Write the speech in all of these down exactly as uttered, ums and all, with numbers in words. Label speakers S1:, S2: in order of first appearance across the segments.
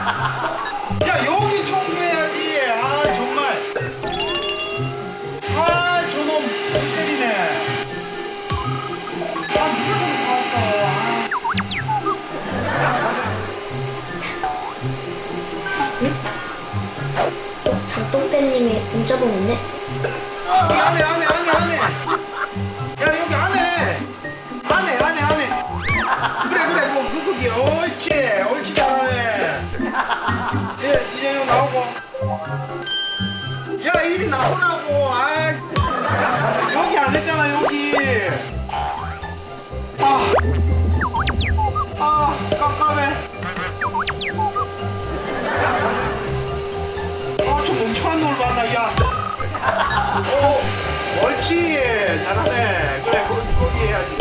S1: 야 여기 청소해야지. 아 정말. 아 저놈 못 때리네. 아 누가 저기 사왔어.
S2: 어? 장똥떼님이 문자 보냈네?
S1: 여기 안에 안에 안에 안에. 야 여기 안에. 안에 안에 안에. 그래 그래 뭐 그거기. 옳지 옳지 잘하네. 예 이제 여기 나오고. 야 이리 나오라고. 아 여기 안 했잖아 여기. 아. 아 깜깜해. 아저 멍청한 놈을 만나. 야. 오 옳지 잘하네. 그래 거기 거기 해야지.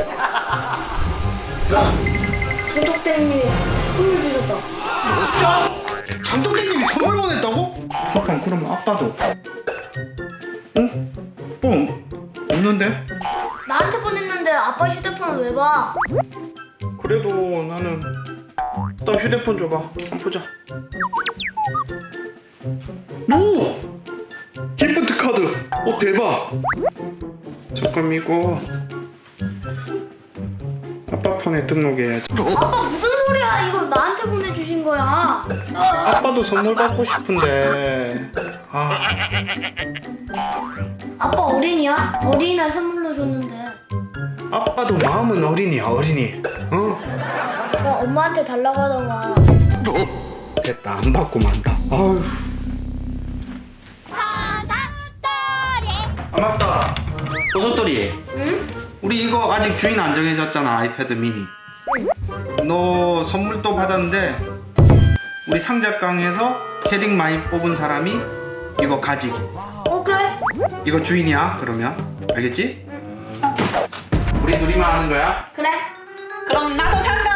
S2: 장똥떼님이 선물 주셨다.
S1: 진짜? 장동대님이 선물 보냈다고? 잠깐 그럼 아빠도 응? 뽕 없는데?
S2: 나한테 보냈는데 아빠 휴대폰을 왜 봐?
S1: 그래도 나는 일단 휴대폰 줘봐 한번 보자. 오! 기프트 카드! 어 대박! 잠깐 이거 아빠 폰에 등록해야지.
S2: 아빠 무슨 소리야? 이거 나한테 보내주신 거야.
S1: 아빠도 선물 받고 싶은데 아
S2: 아빠 어린이야? 어린이날 선물로 줬는데.
S1: 아빠도 마음은 어린이야 어린이. 어?
S2: 그럼 엄마한테 달라고 하던가.
S1: 됐다 안 받고 만다. 아휴. 아 맞다 버섯돌이.
S2: 응?
S1: 우리 이거 아직 주인 안 정해졌잖아 아이패드 미니. 너 선물도 받았는데 우리 상작강에서 캐릭 많이 뽑은 사람이 이거 가지기.
S2: 어 그래?
S1: 이거 주인이야 그러면 알겠지? 우리 둘이만 하는 거야.
S2: 그래.
S3: 그럼 나도 산다.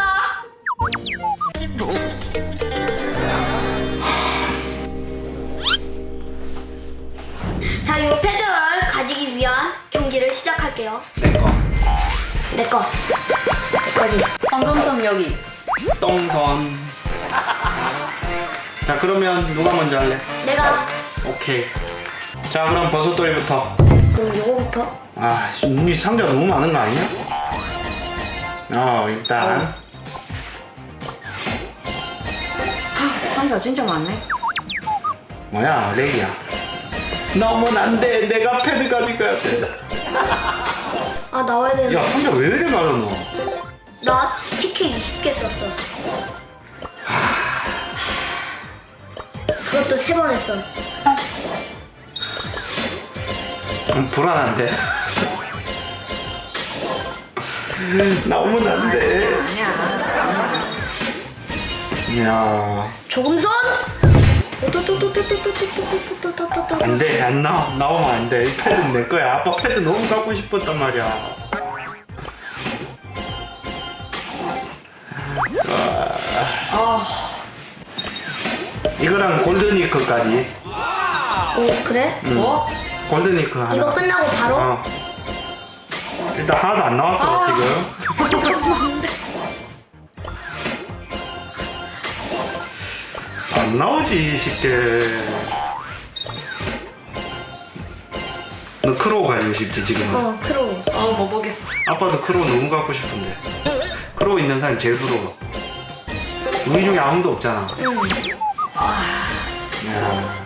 S2: 자, 이 패드를 가지기 위한 경기를 시작할게요.
S1: 내꺼
S2: 내 거. 내 거지.
S3: 황금손 여기.
S1: 똥선. 자 그러면 누가 먼저 할래?
S2: 내가.
S1: 오케이. 자 그럼 버섯돌이부터.
S2: 그럼 요거부터.
S1: 아 이 상자 너무 많은 거 아니야? 어 일단
S3: 상자 진짜 많네.
S1: 뭐야 렉이야. 너무 안돼 내가 패드 가져가야 돼.
S2: 아, 나와야 되는데.
S1: 야 상자 왜 이래 많아 너?
S2: 나 티켓 이십 개 썼어. 그것도 세 번 했어.
S1: 좀 불안한데. 나오면 안 돼.
S3: 아니야.
S1: 야
S2: 조금선.
S1: 안돼 안 나와 나오면 안 돼. 이 패드는 내 거야. 아빠 패드 너무 갖고 싶었단 말이야.
S3: 아,
S1: 이거랑 골드니크까지.
S2: 오, 그래?
S3: 뭐?
S1: 골드니크 하나.
S2: 이거 끝나고 바로?
S1: 어. 일단 하나도 안 나왔어
S3: 아.
S1: 지금.
S3: 상자 많은데.
S1: 안 나오지 쉽게. 너 크로우 가지고 싶지 지금?
S2: 어, 크로우.
S3: 어, 뭐 보겠어.
S1: 아빠도 크로우 너무 갖고 싶은데. 크로우 있는 사람이 제일 부러워. 우리 중에 아무도 없잖아.
S2: 응.
S1: 야.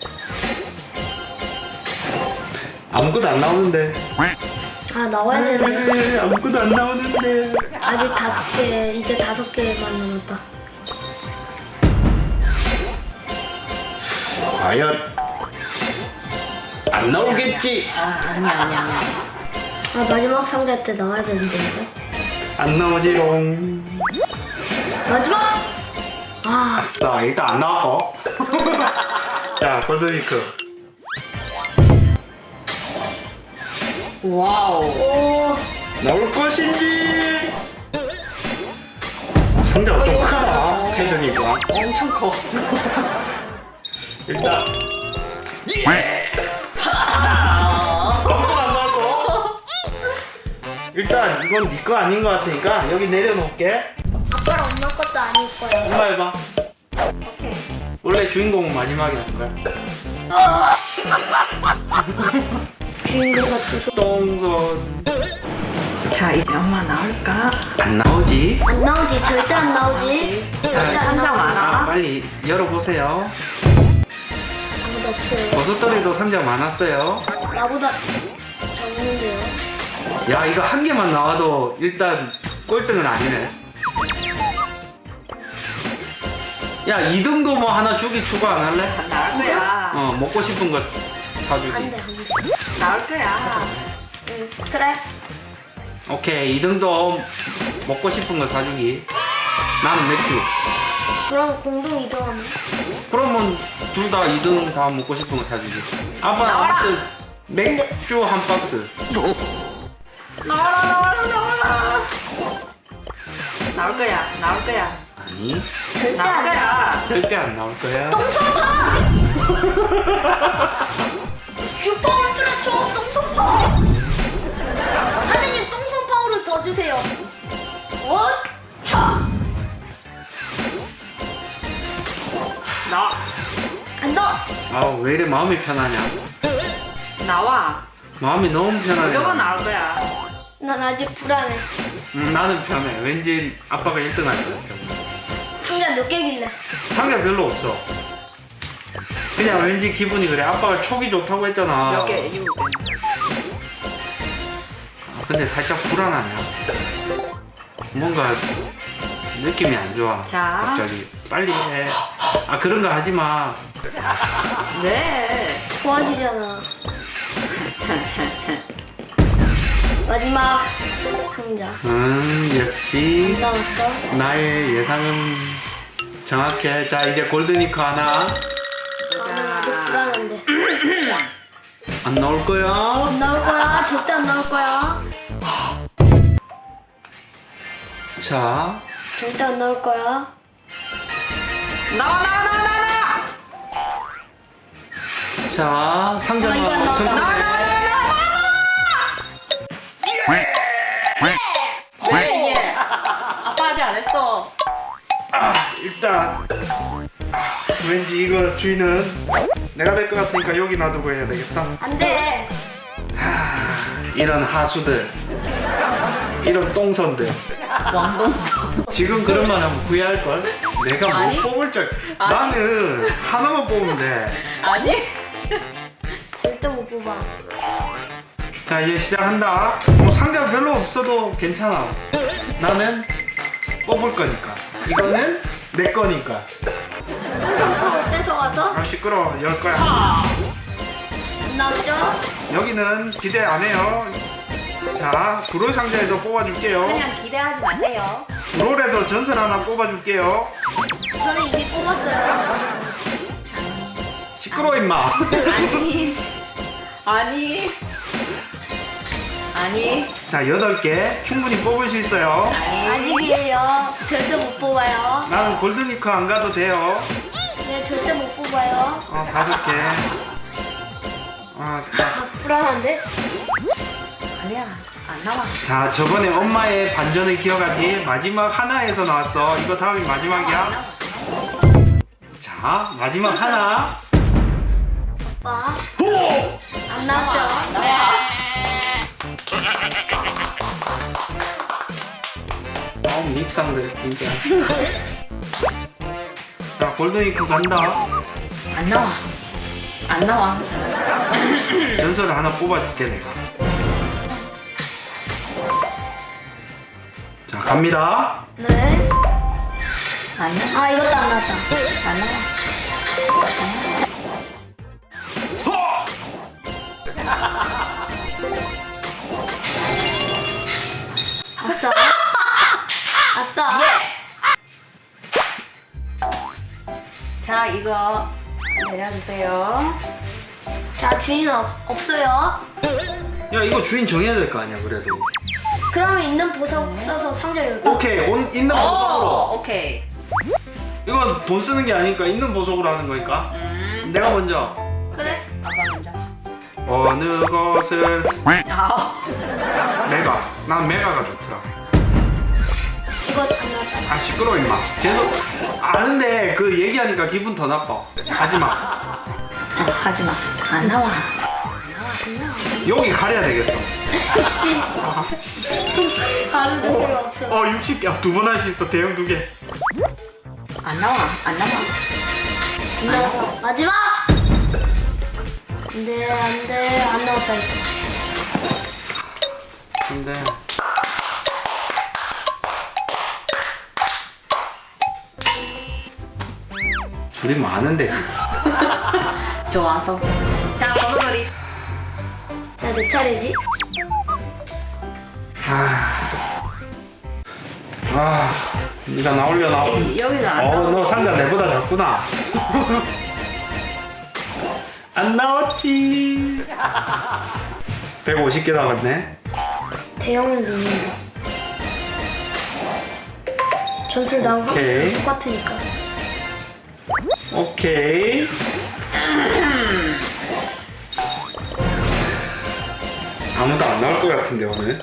S1: 아무것도 안 나오는데.
S2: 아, 나와야 되는데.
S1: 에이, 아무것도 안 나오는데.
S2: 아직 다섯 개, 이제 다섯 개만 남았다.
S1: 과연 안 나오겠지?
S3: 아, 아니야, 아니야, 아니야.
S2: 아, 마지막 상자 때 나와야 되는데, 이거.
S1: 안 나오지롱.
S2: 마지막! 아,
S1: 아싸 일단 안 나왔고. 자 골드니크.
S3: 와우.
S2: 오,
S1: 나올 것인지. 상자가 좀 크다 패드니까.
S3: 엄청 커.
S1: 일단 예! 아무도 안 나왔어. 일단 이건 네 거 아닌 것 같으니까 여기 내려놓을게.
S2: 아빠랑 엄마 것도 아닐 거야.
S1: 엄마 해봐.
S3: 오케이.
S1: 원래 주인공은 마지막에 하는 거야.
S2: 주인공 같아서.
S1: 똥손.
S3: 자, 이제 엄마 나올까?
S1: 안 나오지?
S2: 안 나오지, 절대 안 나오지. 절대 안
S3: 상자
S2: 나오지.
S3: 많아.
S1: 아, 빨리 열어보세요.
S2: 아무도 없어요.
S1: 버섯돌이도 상자 많았어요.
S2: 나보다 적는데요.
S1: 야, 이거 한 개만 나와도 일단 꼴등은 아니네. 야, 이 등도 뭐 하나 주기 추가 안 할래?
S3: 나올 거야.
S1: 어, 먹고 싶은 거 사주기.
S2: 안 돼, 안 돼.
S3: 나올 거야.
S2: 응, 그래.
S1: 오케이, 이 등도 먹고 싶은 거 사주기. 나는 맥주.
S2: 그럼 공동 이동하면.
S1: 그러면 둘 다 이 등 다 먹고 싶은 거 사주기. 아빠
S3: 나와라.
S1: 박스 맥주 한 박스.
S3: 나와라, 나와라, 나와라. 나올 거야. 나올 거야.
S1: 아니,
S2: 절대
S3: 나올
S2: 안 돼.
S3: 거야.
S1: 절대 안 나올 거야.
S2: 똥손파! 슈퍼 울트라 초 똥손파! 하느님 똥손파워를 더 주세요. 원차!
S3: 나
S2: 간다!
S1: 아, 왜 이래 마음이 편하냐?
S3: 나와.
S1: 마음이 너무 편하네.
S3: 무조건 나올 거야.
S2: 난 아직 불안해.
S1: 음, 나는 편해. 왠지 아빠가 일 등 할 것 같아.
S2: 상자 몇 개길래?
S1: 상자 별로 없어. 그냥 왠지 기분이 그래. 아빠가 촉이 좋다고 했잖아.
S3: 몇 개? 일곱 개.
S1: 아, 근데 살짝 불안하냐. 뭔가 느낌이 안 좋아.
S3: 자.
S1: 갑자기 빨리 해. 아, 그런 거 하지 마.
S3: 네.
S2: 좋아지잖아. 마지막 상자.
S1: 음, 역시
S2: 나왔어?
S1: 나의 예상은 정확해. 자, 이제 골드니커 하나.
S2: 나는 아직 불안한데.
S1: 안 나올 거야.
S2: 안 나올 거야. 절대 안 나올 거야.
S1: 자,
S2: 절대 안 나올 거야.
S3: 나와, 나와, 나와, 나와.
S1: 자, 상자
S2: 아, 이거 안 나왔다.
S1: 튼튼해.
S3: 왜 이게? 아빠 아직 안 했어.
S1: 아, 일단 왠지 이거 주인은 내가 될 것 같으니까 여기 놔두고 해야 되겠다.
S2: 안 돼.
S1: 이런 하수들, 이런 똥손들.
S3: 왕동.
S1: 지금 그런 말 하면 후회할 걸. 내가 못
S3: 아니.
S1: 뽑을 줄.
S3: 아니.
S1: 나는 하나만 뽑으면 돼.
S3: 아니?
S2: 절대 못 뽑아.
S1: 자, 이제 시작한다. 뭐 상자 별로 없어도 괜찮아. 나는 뽑을 거니까. 이거는 내 거니까.
S2: 똥손파워 뺏어가서
S1: 아, 시끄러. 열 거야.
S2: 안 나오죠?
S1: 여기는 기대 안 해요. 자, 브롤 상자에서 뽑아줄게요.
S3: 그냥 기대하지 마세요.
S1: 브롤에서 전설 하나 뽑아줄게요.
S2: 저는 이미 뽑았어요.
S1: 시끄러 임마.
S3: 아니. 아니. 아니.
S1: 자, 여덟 개 충분히 뽑을 수 있어요.
S3: 아니.
S2: 아직이에요. 절대 못 뽑아요.
S1: 나는 골드니커 안 가도 돼요.
S2: 네, 절대 못 뽑아요.
S1: 어, 다섯 개. 아, 자.
S2: 아, 불안한데?
S3: 아니야. 안 나와.
S1: 자, 저번에 엄마의 반전을 기억하지? 마지막 하나에서 나왔어. 이거 다음이 마지막이야. 자, 마지막 하나.
S2: 오빠. 안 나왔죠?
S1: 어, 밉상들 진짜. 자, 골드니커 간다.
S3: 안 나와. 안 나와.
S1: 전설을 하나 뽑아줄게 내가. 자, 갑니다.
S2: 네.
S3: 안 나와.
S2: 아, 이것도 안 나왔다.
S3: 안 나와.
S2: 아싸. 아싸.
S3: 자, 이거 내려주세요.
S2: 자, 주인은 없, 없어요.
S1: 야, 이거 주인 정해야 될 거 아니야 그래도.
S2: 그러면 있는 보석 써서 상자 열고.
S1: 오케이, 온, 있는 보석으로.
S3: 오, 오케이.
S1: 이건 돈 쓰는 게 아니니까 있는 보석으로 하는 거니까.
S3: 음.
S1: 내가 먼저.
S2: 그래.
S3: 아빠 먼저.
S1: 어느 것을
S3: 아우.
S1: 메가. 난 메가가 좋더라.
S2: 이거 안 나왔다.
S1: 아 시끄러워 임마. 죄송. 아는데 그 얘기하니까 기분 더 나빠. 가지마.
S3: 어, 하지 마. 안 나와.
S1: 여기 가려야 되겠어.
S2: 가루 데가 없어.
S1: 어 육십 개. 두 번 할 수 있어. 대형 두 개.
S3: 안 나와. 안 나와.
S2: 안 나왔어. 마지막. 안돼 안돼 안 나왔다.
S1: 근데 둘이 많은데 지금.
S3: 좋아서. 자, 버섯놀이.
S2: 자 내 차례지.
S1: 아, 아, 네가 나올려 나올.
S3: 에이, 여기서 안
S1: 어,
S3: 나와.
S1: 너 상자 내보다 작구나. 안 나왔지. 백오십 개 나갔네.
S2: 대형을 넣는다. 전술 나오고
S1: 오케이.
S2: 똑같으니까.
S1: 오케이. 아무도 안 나올 것 같은데 오늘.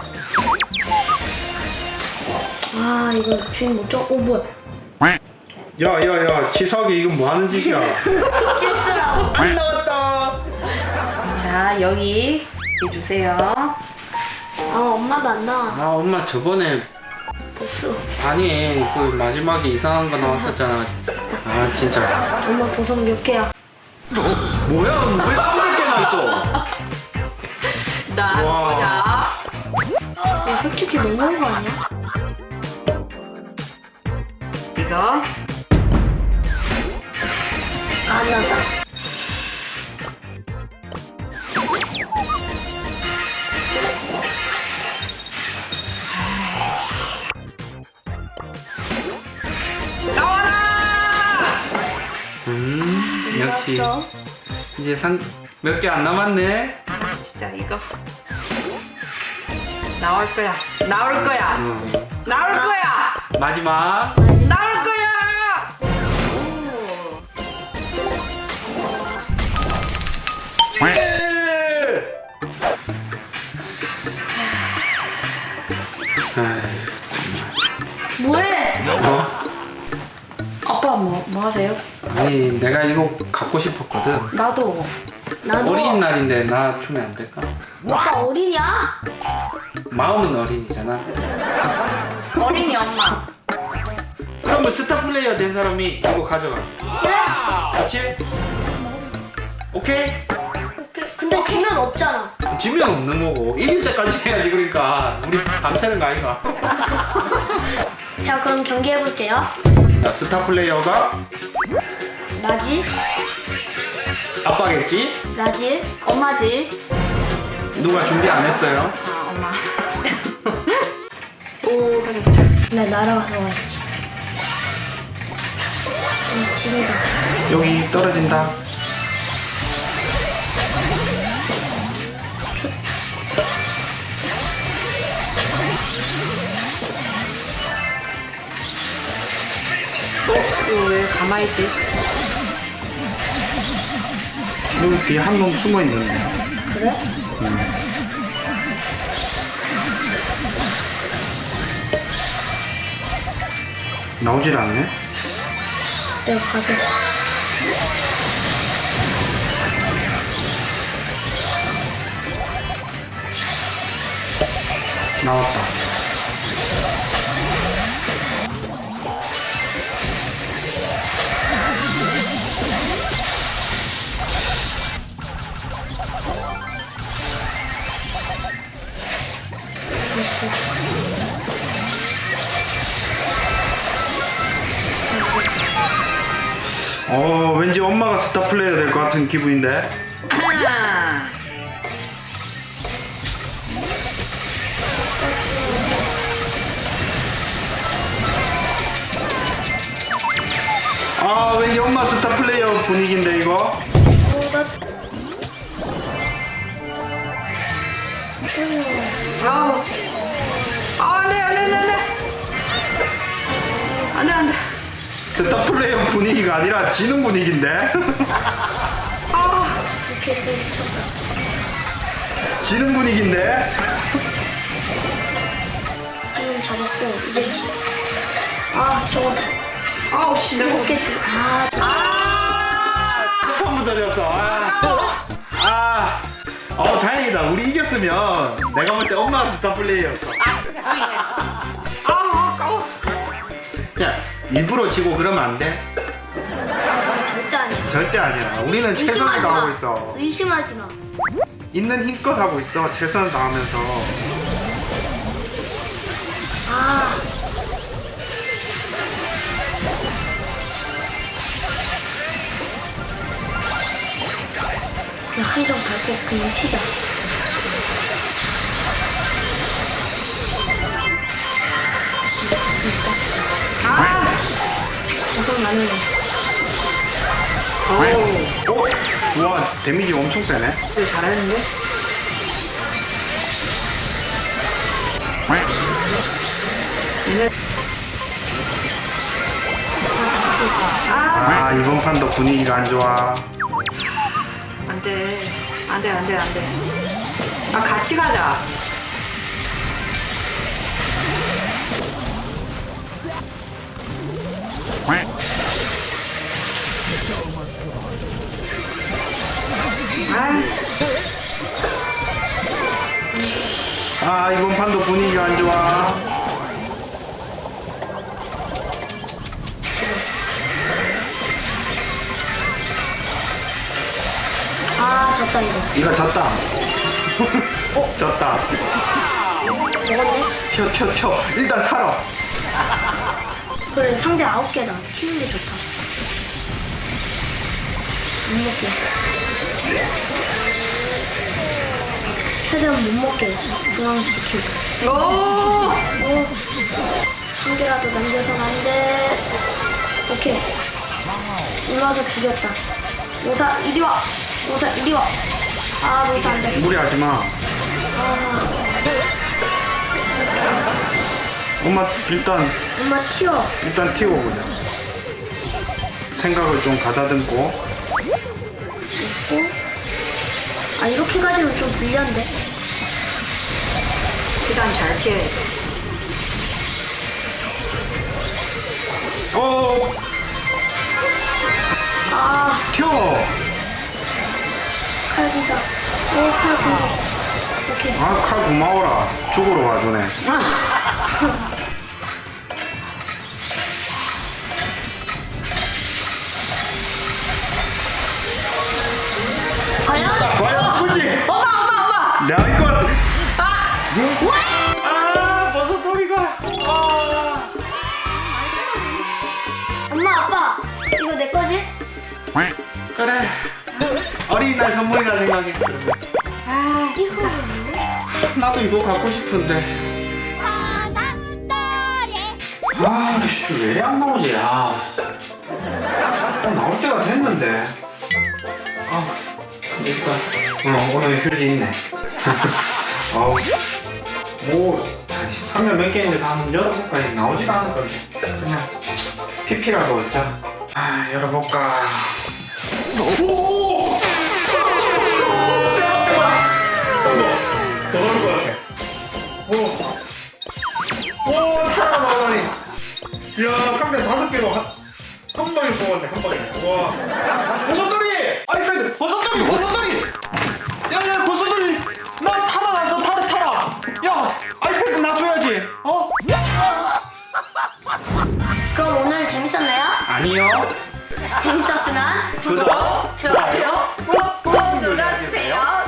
S2: 아 이거 주인 못 잡. 오 뭐야?
S1: 야야야 치석이 이건 뭐 하는 짓이야?
S2: 필수라고.
S1: 안 나왔다.
S3: 자, 여기 해주세요.
S2: 아 엄마도 안 나와.
S1: 아 엄마 저번에
S2: 복수.
S1: 아니 그 마지막에 이상한 거 나왔었잖아. 아 진짜.
S2: 엄마 보석 몇 개야?
S1: 뭐야 왜 삼백 개나 있어?
S3: 나
S1: 와.
S3: 보자.
S2: 이거 솔직히 너무한 거 아니야?
S3: 이거.
S2: 안 나다.
S1: 음 역시
S2: 나왔어.
S1: 이제 상 몇 개 안 남았네.
S3: 진짜 이거. 나올 거야. 나올 거야.
S1: 음.
S3: 나올 거야.
S1: 마지막.
S3: 나올 거야.
S2: 뭐해?
S1: 어?
S3: 아빠 뭐, 뭐 하세요?
S1: 아니 내가 이거 갖고 싶었거든.
S3: 나도.
S2: 나도.
S1: 어린이날인데 나 주면 안 될까?
S2: 오빠 어리냐?
S1: 마음은 어린이잖아.
S3: 어린이 엄마.
S1: 그러면 스타 플레이어 된 사람이 이거 가져가.
S2: 그래?
S1: 그렇지? 오케이?
S2: 오케이. 근데 주면 없잖아.
S1: 지면 없는 거고 이길 때까지 해야지. 그러니까 우리 밤새는 거 아이가?
S2: 자 그럼 경기해 볼게요.
S1: 자, 스타 플레이어가
S2: 나지?
S1: 아빠겠지?
S2: 나지?
S3: 엄마지.
S1: 누가 준비 안 했어요?
S3: 아, 엄마.
S2: 오. 나 날아가서 와야지. 음, 지리다.
S1: 여기 떨어진다.
S3: 어? 이거 왜 가만히 있지?
S1: 여기 뒤에 한 놈 숨어 있는데.
S2: 그래?
S1: 나오질 않네.
S2: 내가 가서.
S1: 나왔다. 어 왠지 엄마가 스타 플레이어 될 것 같은 기분인데.
S3: 아.
S1: 아 왠지 엄마 스타 플레이어 분위기인데 이거.
S2: 오, 나.
S3: 아우. 아, 안 돼, 안 돼, 안 돼, 안 돼. 안 돼, 안 돼.
S1: 스타 플레이어 분위기가 아니라 지는 분위기인데.
S3: 아,
S2: 이렇게 또 미쳤다.
S1: 지는 분위기인데.
S2: 지금 잡았고, 이제 지- 아 저거
S3: 아우 씨 내가
S2: 어깨 줄. 아
S1: 한 번 더 졌어. 아. 아. 어 다행이다. 우리 이겼으면 내가 볼 때 엄마가 스타 플레이였어.
S3: 아우 아까워.
S1: 야 일부러 지고 그러면 안 돼.
S2: 절대 아니야.
S1: 절대 아니야. 우리는 최선을
S2: 의심하지
S1: 다하고
S2: 마.
S1: 있어.
S2: 의심하지 마.
S1: 있는 힘껏 하고 있어. 최선을 다하면서.
S2: 아. 그냥 한정 밟고 그냥 튀자.
S3: 아
S2: 우선 나는
S1: 오. 와 데미지 엄청 세네.
S3: 이거 잘하는데? 얘네 아
S1: 아 이번 판도 분위기가 안 좋아.
S3: 안돼 안돼 안돼 안돼. 아 같이 가자. 아
S1: 아 이번 판도 분위기가 안 좋아.
S2: 아 졌다 이거.
S1: 이거 졌다. 졌다.
S2: 먹었네.
S1: 튀어 튀어 튀어. 일단 살아.
S2: 그래 상대 아홉 개다. 튀는 게 좋다. 못 먹게. 최대한 못 먹게. 중앙 지키고.
S3: 오!
S2: 오. 한 개라도 남겨선 안 돼. 오케이. 올라와서 죽였다. 오사 이리 와. 오사 이리 와. 아 로사 안 돼.
S1: 무리하지 마.
S2: 아
S1: 엄마 일단
S2: 엄마 튀어.
S1: 일단 튀어보자. 생각을 좀 가다듬고.
S2: 있고. 아 이렇게 가지고 좀 불리한데.
S3: 일단 잘 피해.
S1: 오
S2: 아
S1: 튀어.
S2: 칼기다. 오 칼기. 오케이.
S1: 아 칼 고마워라. 죽으러 와주네.
S2: 과연?
S1: 과연 그지?
S3: 엄마 엄마 엄마!
S1: 내가 이거 같아. 아 버섯 소리가. 아.
S2: 엄마 아빠 이거 내 거지?
S1: 그래. 어린이날 선물이라 생각해.
S3: 아
S2: 이거
S1: 나도 이거 갖고 싶은데. 아씨 왜 안 나오지? 아 어, 나올 때가 됐는데. 아 일단 어, 오늘 휴지 있네. 아우 뭐 아니 사면 몇 개인데 한번 열어볼까? 나오지도 않을 건데 그냥 피피라도 얻자. 아 열어볼까? 오! 더 나올 것 같아. 오! 오! 사람 나오다니. 이야 깜짝 다섯 개로 한, 한 방에 뽑았네 한 방에. 와 버섯돌이! 아이패드 버섯돌이 버섯돌이! 야야 버섯돌이 나 타라 나서 타라 타라. 야 아이패드 놔줘야지. 어?
S2: 그럼 오늘 재밌었나요?
S1: 아니요.
S2: 재밌었으면
S1: 구독,
S2: 좋아요
S3: 꾹꾹 눌러주세요.